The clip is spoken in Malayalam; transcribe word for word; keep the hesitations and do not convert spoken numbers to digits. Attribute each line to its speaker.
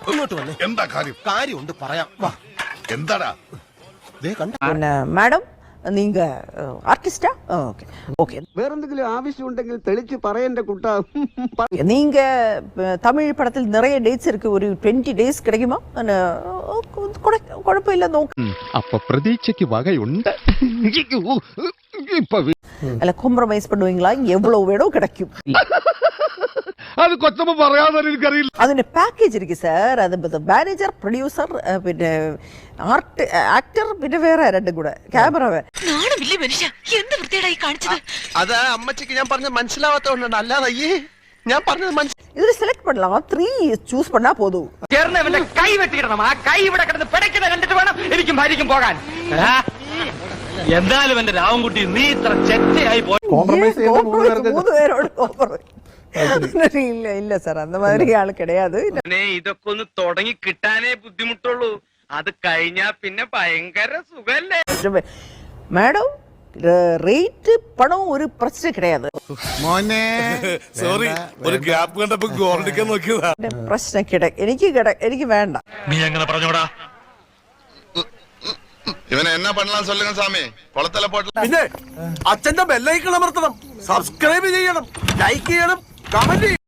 Speaker 1: ഇങ്ങോട്ട് വന്നേ.
Speaker 2: എന്താ കാര്യം?
Speaker 1: കാര്യമുണ്ട് പറയാം. വാ.
Speaker 2: എന്താടാ?
Speaker 1: ദേ കണ്ട.
Speaker 3: പിന്നെ മാഡം നീങ്ക ആർട്ടിസ്റ്റാ? Okay okay.
Speaker 4: வேறெந்தெങ്കിലും ஆവശ്யമുണ്ടെങ്കിൽ തെളിച്ച് പറയണ്ട കുട്ടാ.
Speaker 3: நீங்க தமிழ் படத்தில் நிறைய டேட்ஸ் இருக்கு. ஒரு இருபது டேஸ் கிடைக்குமா? குழப்பம் നോക്ക്.
Speaker 5: அப்ப பிரதீட்சைக்கு வகையுണ്ട്.
Speaker 3: അല്ല കോംപ്രമൈസ് பண்ணுவீங்களா? எவ்வளவு வேணும் கிடைக்கும்.
Speaker 5: അത് കൊച്ചമ്മ പറയാതെ എനിക്കറിയില്ല.
Speaker 3: അതിന്റെ പാക്കേജ് ഇരിക്കും സാർ. അത് മാനേജർ, പ്രൊഡ്യൂസർ, പിന്നെ ആർട്ട്, ആക്ടർ, പിന്നെ വേറെ രണ്ടും കൂടെ ക്യാമറ.
Speaker 1: അത് അമ്മച്ചിക്ക് ഞാൻ പറഞ്ഞത് മനസ്സിലാവാത്തോണ്ടാണ്. അല്ലാതെ അയ്യേ ഞാൻ പറഞ്ഞത് മനസ്സിലായി.
Speaker 3: ഇതിൽ സെലക്ട് பண்ணலாம். ത്രീ ചൂസ് பண்ணா போதுം.
Speaker 6: ചേർന്നവന്റെ കൈ വെട്ടിക്കിടണം. ആ കൈ ഇവിടെ കിടന്ന് പിടയ്ക്കുന്നത് കണ്ടിട്ട് വേണം എനിക്കും ഭാര്യയ്ക്കും പോകാൻ. എന്തായാലും എന്റെ രാവൻകുട്ടി നീ ഇത്ര ചെറ്റയായി പോയി.
Speaker 3: മൂന്ന് പേരോട് ഇല്ല ഇല്ല സാർ, அந்த மாதிரி ആൾ கிடையாது.
Speaker 6: ഇതൊക്കെ ഒന്ന് തുടങ്ങി കിട്ടാനേ ബുദ്ധിമുട്ടുള്ളൂ. അത് കഴിഞ്ഞാ പിന്നെ ഭയങ്കര സുഖല്ലേ.
Speaker 3: மேடம் റേറ്റ് പണം ഒരു പ്രശ്നം கிடையாது.
Speaker 2: മോനെ സോറി, ഒരു ഗ്യാപ്പ് കണ്ടപ്പോ ഗോൾഡിക്കാൻ നോക്കിയതാ.
Speaker 3: പ്രശ്നം കിട എനിക്ക് കിട എനിക്ക് വേണ്ട.
Speaker 6: നീ എങ്ങനെ പറഞ്ഞോടാ?
Speaker 2: ഇവനെ എന്നാ പണലാൻ சொல்லுங்க സാമി. കൊളത്തല പോട്ട.
Speaker 1: പിന്നെ അച്ഛന്റെ ബെല്ലൈക്കൺ അമർത്തണം, സബ്സ്ക്രൈബ് ചെയ്യണം, ലൈക്ക് ചെയ്യണം, കമന്റ്